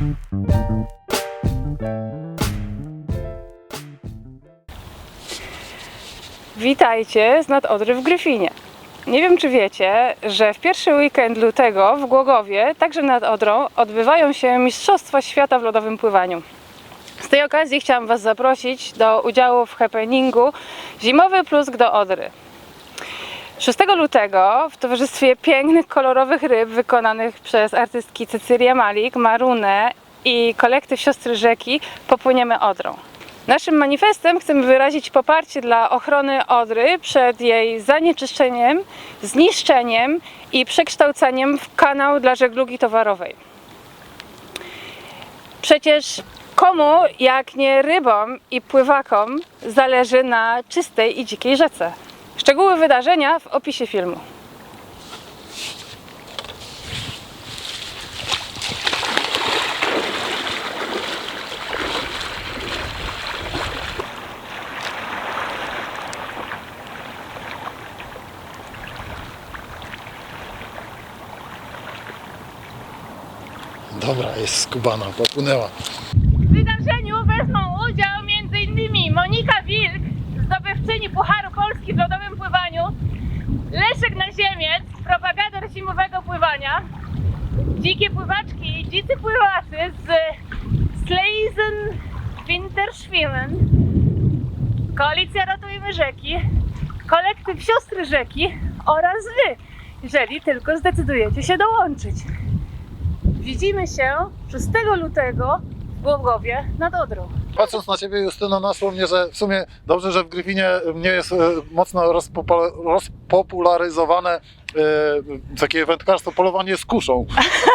Witajcie z nad Odry w Gryfinie. Nie wiem, czy wiecie, że w pierwszy weekend lutego w Głogowie, także nad Odrą, odbywają się Mistrzostwa Świata w lodowym pływaniu. Z tej okazji chciałam Was zaprosić do udziału w happeningu Zimowy Plusk do Odry. 6 lutego w towarzystwie pięknych, kolorowych ryb wykonanych przez artystki Cecylię Malik, Marunę i kolektyw Siostry Rzeki popłyniemy Odrą. Naszym manifestem chcemy wyrazić poparcie dla ochrony Odry przed jej zanieczyszczeniem, zniszczeniem i przekształceniem w kanał dla żeglugi towarowej. Przecież komu, jak nie rybom i pływakom, zależy na czystej i dzikiej rzece? Szczegóły wydarzenia w opisie filmu. Dobra, jest skubana, popłynęła. W wydarzeniu wezmą udział m.in. Monika Wilk, zdobywczyni Pucharu Polski w lodowym pływaniu, Leszek Naziemiec, propagator zimowego pływania, dzikie pływaczki i dzicy pływacy z Sleisen Winterschwimmen, Koalicja Ratujmy Rzeki, kolektyw Siostry Rzeki oraz Wy, jeżeli tylko zdecydujecie się dołączyć. Widzimy się 6 lutego w Głogowie nad Odrą. Patrząc na Ciebie, Justyno, naszło mnie, że w sumie dobrze, że w Gryfinie nie jest mocno rozpopularyzowane takie wędkarstwo, polowanie z kuszą.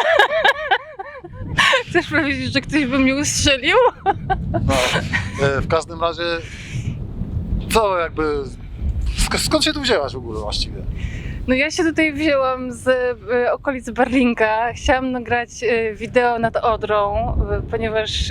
Chcesz powiedzieć, że ktoś by mnie ustrzelił? No, w każdym razie, co jakby, skąd się tu wzięłaś w ogóle właściwie? No ja się tutaj wzięłam z okolic Barlinka. Chciałam nagrać wideo nad Odrą, ponieważ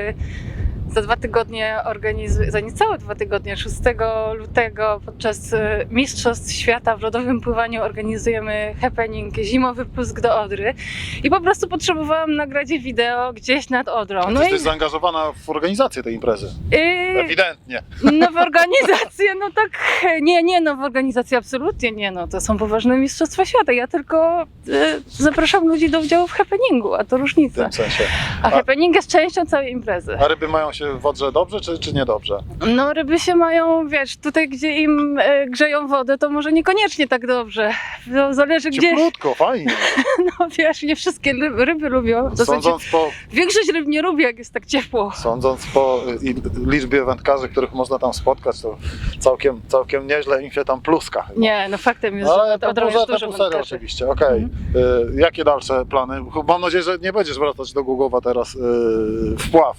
za 2 tygodnie za niecałe 2 tygodnie, 6 lutego podczas Mistrzostw Świata w lodowym pływaniu organizujemy happening Zimowy Plusk do Odry i po prostu potrzebowałam nagrać wideo gdzieś nad Odrą. No jesteś zaangażowana w organizację tej imprezy. Ewidentnie. No w organizację, no tak, nie, no w organizację absolutnie nie, no to są poważne Mistrzostwa Świata. Ja tylko zapraszam ludzi do udziału w happeningu, a to W różnica. tym sensie. A happening jest częścią całej imprezy. A ryby mają się w Odrze dobrze, czy niedobrze? No ryby się mają, wiesz, tutaj gdzie im grzeją wodę, to może niekoniecznie tak dobrze. No, zależy gdzie. Cieplutko, fajnie. No wiesz, nie wszystkie ryby lubią. W zasadzie większość ryb nie lubi, jak jest tak ciepło. Sądząc po liczbie wędkarzy, których można tam spotkać, to całkiem nieźle im się tam pluska chyba. Nie, no faktem jest, Ale że od razu jest dużo serio wędkarzy. oczywiście, okej. Jakie dalsze plany? Mam nadzieję, że nie będziesz wracać do Głogowa teraz w pław.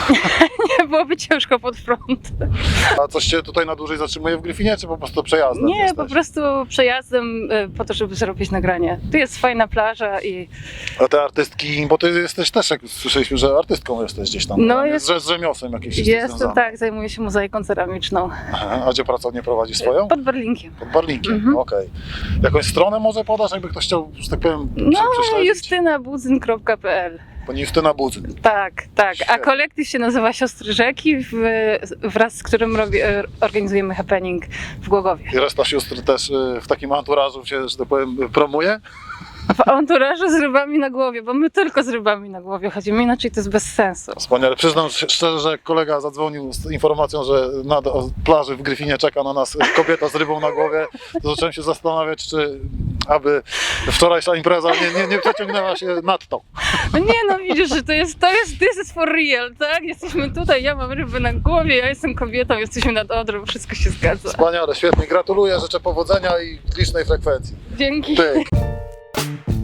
Nie byłoby ciężko pod prąd. A coś Cię tutaj na dłużej zatrzymuje w Gryfinie, czy po prostu przejazdem Nie, jesteś? po prostu przejazdem po to, żeby zrobić nagranie. Tu jest fajna plaża i A te artystki, bo Ty jesteś też, jak słyszeliśmy, że artystką jesteś gdzieś tam. No z rzemiosłem jakimś jestem, związane. tak, zajmuję się mozaiką ceramiczną. Aha, a gdzie pracownię prowadzisz swoją? Pod Barlinkiem. Pod Barlinkiem, okej. Jakąś stronę może podasz, jakby ktoś chciał, że tak powiem, No, prześledzić? justynabudzyn.pl. Pani Justyna Budzyn. Tak, tak. A Świetnie. kolektyw się nazywa Siostry Rzeki, wraz z którym organizujemy happening w Głogowie. I reszta sióstr też w takim anturażu się, że tak powiem, promuje? W anturażu z rybami na głowie, bo my tylko z rybami na głowie chodzimy, inaczej to jest bez sensu. Wspaniale. Przyznam szczerze, że kolega zadzwonił z informacją, że na plaży w Gryfinie czeka na nas kobieta z rybą na głowie. To zacząłem się zastanawiać, czy aby wczorajsza impreza nie przeciągnęła się nadto. No nie, no widzisz, że to jest this is for real, tak? Jesteśmy tutaj, ja mam rybę na głowie, ja jestem kobietą, jesteśmy nad Odrą, wszystko się zgadza. Wspaniale, świetnie. Gratuluję, życzę powodzenia i licznej frekwencji. Dzięki. Pyk.